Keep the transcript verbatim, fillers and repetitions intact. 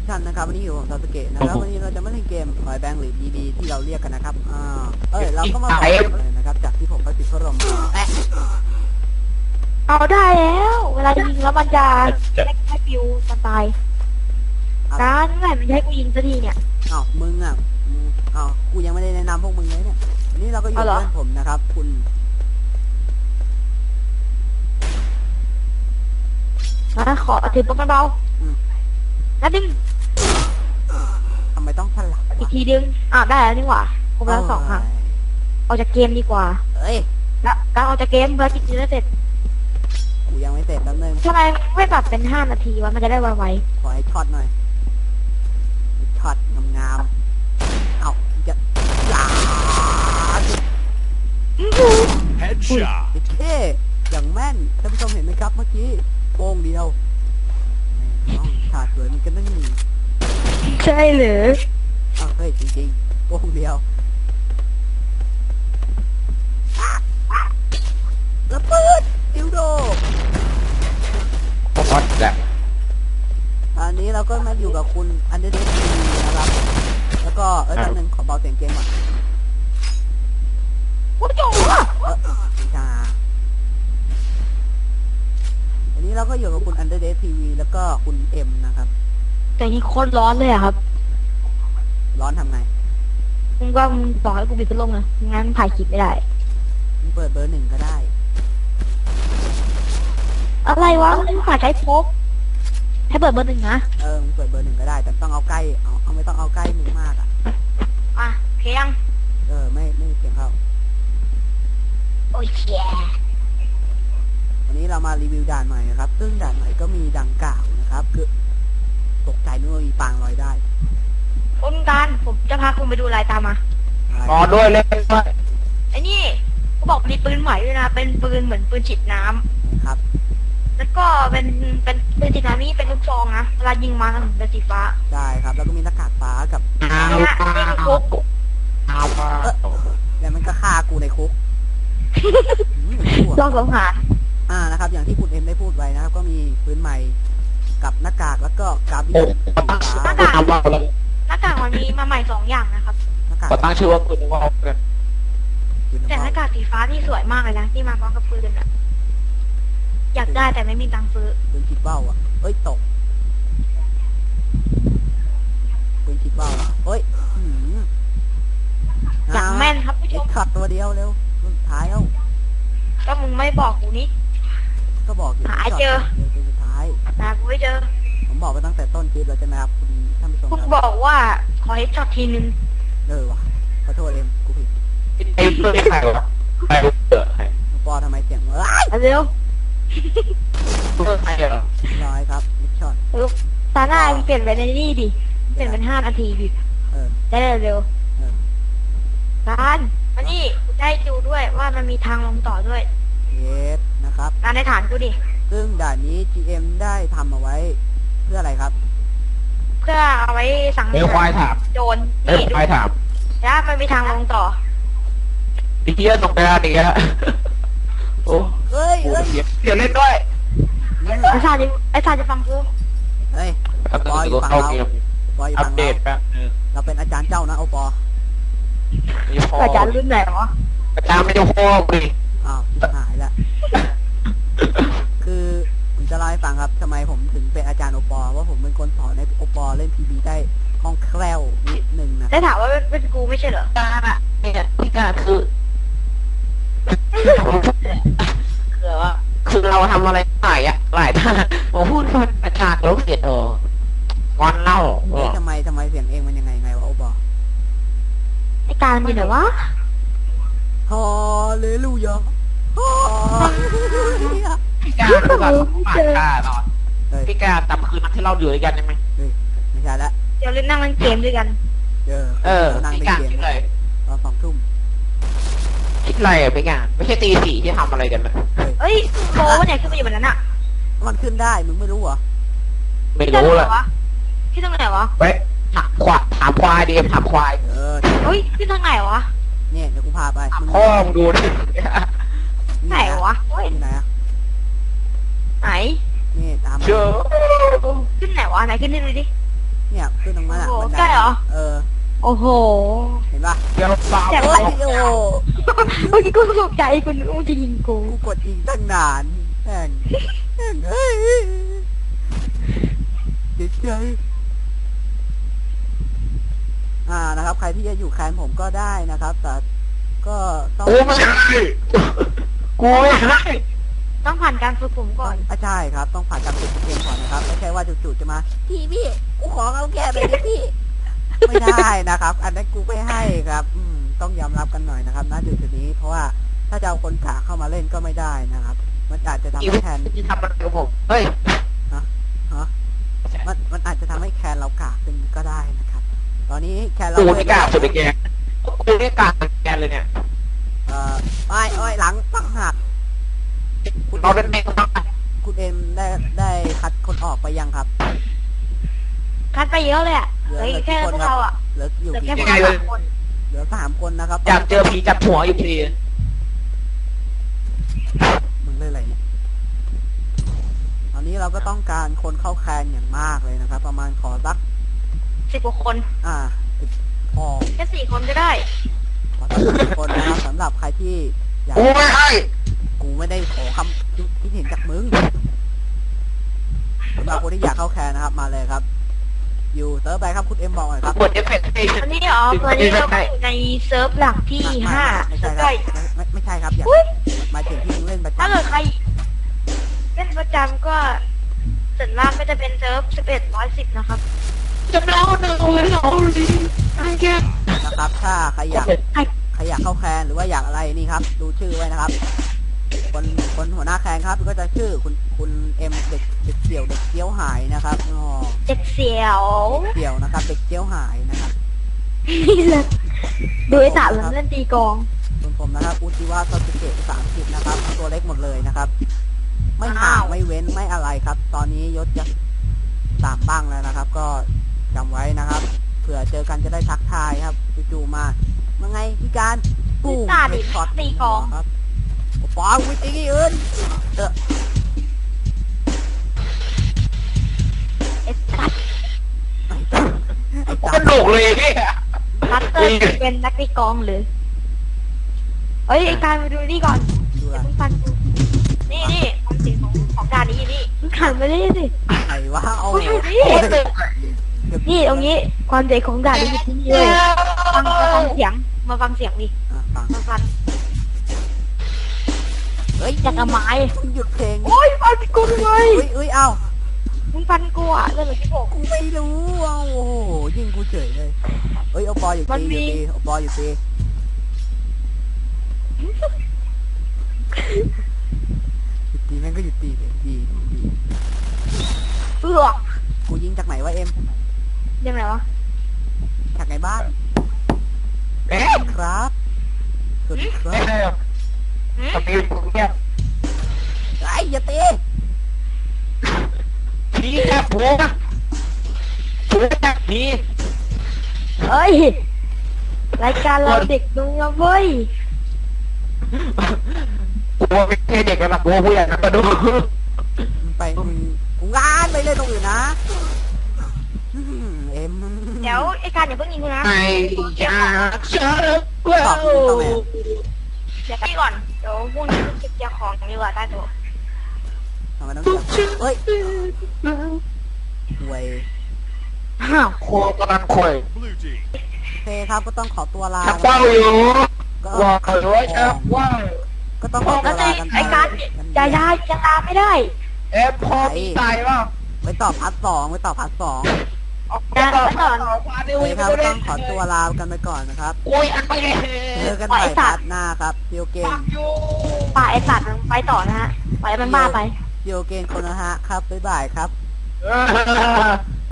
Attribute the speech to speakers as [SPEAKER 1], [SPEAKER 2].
[SPEAKER 1] ท่านนะครับวันนี้อยู่กับซาสึเกะนะครับวันนี้เราจะมาเล่นเกมหอยแบงค์หรือ ดี บี ที่เราเรียกกันนะครับอ่าเอ้ยเราก็มาบอกเลยนะครับจากที่ผมไปติดพัดลมแอะ
[SPEAKER 2] เอาได้แล้วเวลายิงแล้วมันจะไม่ให้ปิวสไตล์การเมื่อไหร่มันจะให้กูยิงสักทีเนี่ย
[SPEAKER 1] อ้าวมึงอ่ะอ้าวกูยังไม่ได้แนะนำพวกมึงเลยเนี่ยวันนี้เราก็อยู่กับเพื่อนผมนะครับคุณ
[SPEAKER 2] มาขอถือปืนเบาๆนัดนึง
[SPEAKER 1] ทำไมต้องสลับ
[SPEAKER 2] อีกทีดึงอ่ะได้แล้วนี่หว่าครบแล้วสองครั้งออกจากเกมดีกว่า
[SPEAKER 1] เอ้ย
[SPEAKER 2] แล้วการออกจากเกมเพื่อกิจจะได้เสร็จ
[SPEAKER 1] กูยังไม่เสร็จแป๊บนึง
[SPEAKER 2] ทำไมไม่ปรับเป็นห้านาทีวะมันจะได้ไว
[SPEAKER 1] ๆขอให้ช็อตหน่อยช็อตงามๆเอ้าจะหลา
[SPEAKER 3] เฮดช็อต
[SPEAKER 1] เท่อย่างแม่นท่านผู้ชมเห็นไหมครับเมื่อกี้โป้งเดียวขาดสวยมันก็ต้องมี
[SPEAKER 2] ใช่หรือ
[SPEAKER 1] อ้าวเฮ้ยจริงๆโป้งเดียวระเบิดดิวโด
[SPEAKER 3] พอดแหละ
[SPEAKER 1] อันนี้เราก็มาอยู่กับคุณอันเดอร์เดสทีนะครับแล้วก็เออท่านหนึ่งขอเบาเสียงเกมก่อน
[SPEAKER 2] โอ้โห
[SPEAKER 1] เออจ้าวันนี้เราก็อยู่กับคุณอันเดอร์เดสทีวีแล้วก็คุณเอ็มนะครับ
[SPEAKER 2] แต่นี่โคตรร้อนเลยอะครับ
[SPEAKER 1] ร้อนทำไง
[SPEAKER 2] มึงก็มึงบอกให้กูปิดพัดลมนะงั้นถ่ายคลิปไม่ได้
[SPEAKER 1] มึงเปิดเบอร์หนึ่งก็ได้
[SPEAKER 2] อะไรวะมึงฝากใช้พกให้เปิดเบอร์หนึ่งนะ
[SPEAKER 1] เออมึงเปิดเบอร์หนึ่งก็ได้แต่ต้องเอาใกล้เอาเอาไม่ต้องเอาใกล้มึงมากอ่ะ
[SPEAKER 2] อ่ะเพียง
[SPEAKER 1] เออไม่ไม่เสียงเข้า
[SPEAKER 2] โอ้ยแย่
[SPEAKER 1] วันนี้เรามารีวิวด่านใหม่นะครับซึ่งด่านใหม่ก็มีดังกล่าวนะครับคือตกใจนึกว่ามีปางลอยได้
[SPEAKER 2] คุณการผมจะพาคุณไปดูลายตามมา
[SPEAKER 3] อ๋อด้วยเล่นด้วย
[SPEAKER 2] ไอ้นี่เขาบอกมีปืนใหม่ด้วยนะเป็นปืนเหมือนปืนฉีดน้
[SPEAKER 1] ำครับ
[SPEAKER 2] แล้วก็เป็นเป็นปืนฉีดน้ำนี่เป็นลูกซองนะเวลายิงมาเป็นสีฟ้า
[SPEAKER 1] ใช่ครับแล้วก็มีหน้ากากฟ้ากับ
[SPEAKER 2] นี่ฮะนี่คือคุก
[SPEAKER 1] แล้วมันก็ฆ่ากูในคุก
[SPEAKER 2] ลองสงหาร
[SPEAKER 1] อ่านะครับอย่างที่คุณเอ็มได้พูดไว้นะครับก็มีปืนใหม่กับหน้ากากแล้วก็กราบเบียน
[SPEAKER 2] หน้ากากหน้ากากมันมีมาใหม่สองอย่างนะครับ
[SPEAKER 3] ก็ตั้งชื่อว่าปืนวอลกัน
[SPEAKER 2] แต่หน้ากากสีฟ้าที่สวยมากเลยนะที่มาพร้อมกับปืนอ่ะอยากได้แต่ไม่มีตังค์ซื้อ
[SPEAKER 1] ปืนคิดเบ้าอ่ะเอ้ยตกปืนคิดเบ้าอ่ะเอ้ย
[SPEAKER 2] อย่างแม่นครับผู้ชม
[SPEAKER 1] ขัดตัวเดียวเร็วสุดท้ายแล้ว
[SPEAKER 2] ก็มึงไม่บอกกูนี่
[SPEAKER 1] ก็บอกอยู่
[SPEAKER 2] หาเจอ
[SPEAKER 1] เดี๋ยวสุดท้าย
[SPEAKER 2] หากูไม่เจอ
[SPEAKER 1] ผมบอกไปตั้งแต่ต้นคลิปแล้วใช่ไหมครับคุณท่านผู้ชม
[SPEAKER 2] กูบอกว่าขอให้ช็อตทีนึง
[SPEAKER 1] เออว่ะขอโทษเอ็มกูผิด
[SPEAKER 3] ไอ้เพื่อนใครวะใครเกิดใคร
[SPEAKER 1] ปอทำไมเสียงเอ้
[SPEAKER 2] ยเร็ว
[SPEAKER 3] เพื่อนใครเหรอ
[SPEAKER 1] ร้อยครับมิชชั่น
[SPEAKER 2] ลูกตาหน้าเปลี่ยนเป็นนี่ดิเปลี่ยนเป็นห้านาทีดิ
[SPEAKER 1] เออ
[SPEAKER 2] ได้เร็วการมานี่กูได้ดูด้วยว่ามันมีทางลงต่อด้วย
[SPEAKER 1] เยสนะครับ
[SPEAKER 2] การในฐานกูดิ
[SPEAKER 1] ซึ่งด่านนี้ จี เอ็ม ได้ทำเอาไว้เพื่ออะไรครับ
[SPEAKER 2] เพื่อเอาไว้สั่ง
[SPEAKER 3] เลี้ยวควายถาม
[SPEAKER 2] โจร
[SPEAKER 3] นี่ควายถาม
[SPEAKER 2] แล้วมันมีทางลงต่อ
[SPEAKER 3] ไอ้เหี้ยตกไปแล้วนี่ฮะโอ้
[SPEAKER 1] เฮ้ย
[SPEAKER 3] เดี๋ยวเล่นด้วย
[SPEAKER 2] ไอ้ชาจะไอ้ชาจะฟังกู
[SPEAKER 1] เฮ้ยปอยฟังเราปอยฟังเราเราเป็นอาจารย์เจ้านะโอปอ
[SPEAKER 2] อาจารย์รุ่นไหนวะ
[SPEAKER 3] อาจารย์ไม่ต้องโค้งดิ
[SPEAKER 1] อ้าวหายละคือผมจะเล่าให้ฟังครับทำไมผมถึงเป็นอาจารย์โอปอว่าผมเป็นคนสอนให้โอปอเล่นพีบีได้คล่องแคล่วนิดนึงนะ
[SPEAKER 2] ได้ถามว่าเป็นกูไม่ใช่เหรอ
[SPEAKER 3] การอะเนี่ยที่การคือคือว่าคือเราทำอะไรหลายอะหลายท่าผมพูดว่าอาจารย์ลบเสียดเอองอนเล่า
[SPEAKER 1] ทำไมทำไมเสียงเองมันยังไงไงวะโอปอ
[SPEAKER 2] ไอการมันเหรอวะ
[SPEAKER 1] ฮาเลลูยาฮาเลลูยา
[SPEAKER 3] พี่การคือแบบปากกาตอนพี่การจำคืนนั้นที่เราอยู่ด้วยกันใช่ไหม
[SPEAKER 1] ไม่ใช่ละ
[SPEAKER 2] เดี๋ยวเล่นนั่งเล่นเกมด้วยกัน
[SPEAKER 1] เออ
[SPEAKER 3] เออพี่การคิดอะไร
[SPEAKER 1] ตอนสองทุ่ม
[SPEAKER 3] คิดอะไรอ่ะพี่การไม่ใช่ตีสี่ที่ทำอะไรกันนะ
[SPEAKER 2] เฮ้ยโบวันไหนขึ้นมาอยู่บนนั้นอ่ะ
[SPEAKER 1] มันขึ้นได้มึงไม่รู้เหรอ
[SPEAKER 3] ไม่รู้เลย
[SPEAKER 2] ที่ตรงไหนวะ
[SPEAKER 3] เว้ยถามควายถามควายดีถามควาย
[SPEAKER 1] เออ
[SPEAKER 2] เฮ้ยที่ทางไหนวะ
[SPEAKER 1] เนี่ยเดี๋ยวกูพาไป
[SPEAKER 3] พ่อมึงดูดิ
[SPEAKER 2] ไหนวะเฮ้ย
[SPEAKER 1] ไหนอะ
[SPEAKER 2] ไหน
[SPEAKER 1] นี่ตาม
[SPEAKER 3] เจอ
[SPEAKER 2] ขึ้นไหนวะไหนขึ้นนี่ดูดิ
[SPEAKER 1] เนี่ยขึ้นตรงนั้นอ่ะ
[SPEAKER 2] โอ้โห
[SPEAKER 1] บันได
[SPEAKER 2] ใช่เหรอ
[SPEAKER 1] เออ
[SPEAKER 2] โอ้โห
[SPEAKER 1] เห็นปะ
[SPEAKER 3] เดี๋ยวสาว
[SPEAKER 2] แจ็ค
[SPEAKER 1] โอ้ยโอ้
[SPEAKER 2] เมื่อกี้กูตกใจกูนึกว่าจะยิงกู
[SPEAKER 1] กูกดยิงตั้งนานแม่งแม่งเฮ้ยเจ็บใจอ่านะครับ ใครที่จะอยู่แคนผมก็ได้นะครับ แต่ก็ต้อง
[SPEAKER 3] กูไม่ให้กูไม่ให้
[SPEAKER 2] ต้องผ่านการฝึกผมก่อน
[SPEAKER 1] อ่ะใช่ครับ ต้องผ่านการฝึกเกมก่อนนะครับไม่ใช่ว่าจู่ๆจะมาพี่พี่กูขอเอาแค่เลยดิพี่ ไม่ได้นะครับ อันนั้นกูไม่ให้ครับ อืมต้องยอมรับกันหน่อยนะครับณจุดๆนี้ เพราะว่าถ้าจะเอาคนกาเข้ามาเล่นก็ไม่ได้นะครับ มันอาจจะทำ
[SPEAKER 3] อี
[SPEAKER 1] ให้
[SPEAKER 3] วิท
[SPEAKER 1] แคน
[SPEAKER 3] จะทำอะไรกับผมเฮ้ย
[SPEAKER 1] ฮะมันมันอาจจะทำให้แคนเรากากขึ้นก็ได้นะครับ ตอนนี้แคนเรา
[SPEAKER 3] กูไม่กล้าสุดไอ้แกกูไม่กล้าแกเลยเนี่ย
[SPEAKER 1] เอ่ออ้อยอ้อยหลังปังหักคุณ
[SPEAKER 3] เราเป็นแม่งมาก
[SPEAKER 1] คุณเอ็มได้ได้คัดคนออกไปยังครับ
[SPEAKER 2] คัดไปเยอะเลยอ่ะ
[SPEAKER 1] เหลือ
[SPEAKER 2] เฮ้ย
[SPEAKER 1] เหลือ
[SPEAKER 2] แค่
[SPEAKER 1] กี่คน
[SPEAKER 2] พวก
[SPEAKER 1] ครับ
[SPEAKER 2] เราอ่ะ
[SPEAKER 1] เหลืออยู่
[SPEAKER 2] เหลือ
[SPEAKER 1] กี่
[SPEAKER 2] แค่
[SPEAKER 1] ค
[SPEAKER 2] พวน กเรา
[SPEAKER 1] ครับ
[SPEAKER 2] สามคน
[SPEAKER 1] เหลือสามคนนะครับ
[SPEAKER 3] อยากเจอผีจับหัวอยู่ที
[SPEAKER 1] มึงเล่นอะไรเนี่ย ตอนนี้เราก็ต้องการคนเข้าแคนอย่างมากเลยนะครับ ประมาณขอสัก
[SPEAKER 2] สิบกว่าคน
[SPEAKER 1] อ่าสิบพอ
[SPEAKER 2] แค่สี่คนก็ได้
[SPEAKER 1] ขอสักสิบคนนะครับสำหรับใครที่อยาก
[SPEAKER 3] กูไม่ให้
[SPEAKER 1] กูไม่ได้ขอคำคิดเห็นจากมึงสำหรับคนที่อยากเข้าแคนนะครับ มาเลยครับ อยู่เติร์ฟไปครับคุณเอ็มบอกหน่อยครับ
[SPEAKER 3] กดเอฟเฟกต์ให้
[SPEAKER 2] อันนี้อ๋อตอนนี้เราก็อยู่ในเซิร์ฟหลักที่
[SPEAKER 1] ไม่
[SPEAKER 2] ห้า
[SPEAKER 1] ไม่ใช่
[SPEAKER 2] เซิร์ฟ
[SPEAKER 1] ครับ
[SPEAKER 2] ย่อย
[SPEAKER 1] ไม่ไม่ไม่ใช่ครับ อย่า
[SPEAKER 2] อุ๊ย
[SPEAKER 1] หมายถึงที่มึงเล่นประจำ
[SPEAKER 2] ถ้าเกิดใครเล่นประจำก็ส่วนมากก็จะเป็นเซิร์ฟสิบเอ็ดร้อยสิบนะครับ
[SPEAKER 3] จะเล่าหนึ่งเลยเราดิไอ้แก
[SPEAKER 1] นะครับ ถ้าใครอยาก
[SPEAKER 2] ใคร
[SPEAKER 1] ใครอยากเข้าแคนหรือว่าอยากอะไรนี่ครับ ดูชื่อไว้นะครับ คนคนหัวหน้าแคนครับก็จะชื่อคุณคุณเอ็มเด็กเด็กเสี่ยวเด็กเกี้ยวหายนะครับอ๋อ
[SPEAKER 2] เด็กเสียว
[SPEAKER 1] เสี่ยวนะครับ เด็กเกี้ยวหายนะครับ
[SPEAKER 2] นี่เลยดูไอ้ตามันเล่นตีกลอง
[SPEAKER 1] ส่วนผมนะครับอุจิวะซาสึเกะสามสิบนะครับ ตัวเล็กหมดเลยนะครับ ไม่ห่างไม่เว้นไม่อะไรครับ ตอนนี้ยศจะสามบ้างแล้วนะครับ ก็จำไว้นะครับ เผื่อเจอกันจะได้ทักทายครับจู่ๆมาว่าไงพี่การปู
[SPEAKER 2] ตาดิ
[SPEAKER 1] ช็อต
[SPEAKER 2] ตีกลอง
[SPEAKER 1] ครับปองวิตีอื่นเออ
[SPEAKER 2] ไอ้ตัด
[SPEAKER 1] ไอ้ตั๊กไอ้
[SPEAKER 3] กู
[SPEAKER 1] ตั๊
[SPEAKER 3] กระโดดเลยพี่
[SPEAKER 2] ตัดเตอร์เป็นนักตีกลองหรือเอ้ยไอ้การมาดูนี่ก่อน
[SPEAKER 1] ดู
[SPEAKER 2] อย่า
[SPEAKER 1] ละ
[SPEAKER 2] เพิ่งฟันกูนี่นี่ความเสียงของของด่านนี้อยู่นี่มึงขันไปได้สิ
[SPEAKER 1] ไอ้วะเอา
[SPEAKER 2] กูอยู่นี่นี่ตรงนี้ความเสียงของด่านนี้อยู่ที่นี่เลยฟังมาฟังเสียงมาฟังเสียงดิ
[SPEAKER 1] อ่ะฟัง
[SPEAKER 2] มาฟัง
[SPEAKER 1] เฮ้ย
[SPEAKER 2] จากกระไม้
[SPEAKER 1] มึงหยุดเพลง
[SPEAKER 2] โอ้ยฟันกูเล
[SPEAKER 1] เฮ้
[SPEAKER 2] ย
[SPEAKER 1] ยเฮ้ยเอ้า
[SPEAKER 2] มึงฟันกูอ่ะเรื่องอะไรที่บอก
[SPEAKER 1] กูไม่รู้อ่ะโอ้โหยิงกูเฉยเลยเฮ้ยเอาปออยู่
[SPEAKER 2] มัน
[SPEAKER 1] ตี
[SPEAKER 2] มี
[SPEAKER 1] อยู่ตีเอาปออยู่ตีหยุดตีแม่งก็หยุดตีเลยดีดี
[SPEAKER 2] เอือก
[SPEAKER 1] กูยิงจากไหนวะเอ็ม
[SPEAKER 2] ยังไงวะ
[SPEAKER 1] จากไหนบ้าน
[SPEAKER 3] เอ๊ะ
[SPEAKER 1] ครับสวัสดีครั
[SPEAKER 3] เอ๊ะ
[SPEAKER 1] บ
[SPEAKER 3] ทำไมกูเนี่ย
[SPEAKER 1] ไอ้ยอย่าตี
[SPEAKER 3] ผีแค่ผัวผัวแค่ผี
[SPEAKER 2] เอ้ยรายการเราเด็กดูนะเว้ย
[SPEAKER 3] กูไม่ใช่เด็กระดับกูผู้ใหญ่นะมาดู
[SPEAKER 1] มึงไปมึงมึงงานไปเลยตรงอื่นนะอืมเอ็ม
[SPEAKER 2] เดี๋ยวไอ้การอย่าเพิ่งยิงกูนะ
[SPEAKER 3] ไอ้ยาเชื่อ
[SPEAKER 1] ตอบมึงต้องแม่
[SPEAKER 2] เดี๋ยวพี่ก่อนเดี๋ยวพรุ่งนี้เก็บยาของดีกว่าใต้โต๊ะ
[SPEAKER 1] ทำไมต้องจับเฮ้ยห่วย
[SPEAKER 2] อ้าว
[SPEAKER 3] โคกำลังคอย
[SPEAKER 1] โอเคครับก็ต้องขอตัวลา
[SPEAKER 3] ชักว่าวอยู่
[SPEAKER 1] ก็
[SPEAKER 3] ว่าเขาด้วยชักว่าว
[SPEAKER 1] ก็ต้องขอตั
[SPEAKER 2] แล้ว ว
[SPEAKER 1] ลา
[SPEAKER 2] ไอ้
[SPEAKER 1] กันไป
[SPEAKER 2] ไอ้การอย่าอย่าอย่าตามไม่ได้
[SPEAKER 3] เอฟพอมีตายป่ะ
[SPEAKER 1] ไว้ตอบพัดสองไว้ตอบพัดสอง
[SPEAKER 2] นะแล้วก่อน
[SPEAKER 3] ควา
[SPEAKER 1] โอ
[SPEAKER 3] ดิว
[SPEAKER 1] เค
[SPEAKER 3] อีก
[SPEAKER 1] ครับ
[SPEAKER 3] ไม่
[SPEAKER 1] ก็
[SPEAKER 3] ได้
[SPEAKER 1] ต้องขอตัวลากันไปก่อนนะครับ
[SPEAKER 3] โอ้ยอันไปเลย
[SPEAKER 1] เจอกันใหม่พัดหน้าครับเซียวเก
[SPEAKER 3] ปั
[SPEAKER 1] น
[SPEAKER 3] กอยู่
[SPEAKER 2] ป่าไอ้สัตว์มันไปต่อนะฮะปล่อยให้มันบ้าไป
[SPEAKER 1] เซียวเกนคนนะฮะครับบ๊ายบายครับ
[SPEAKER 3] เออ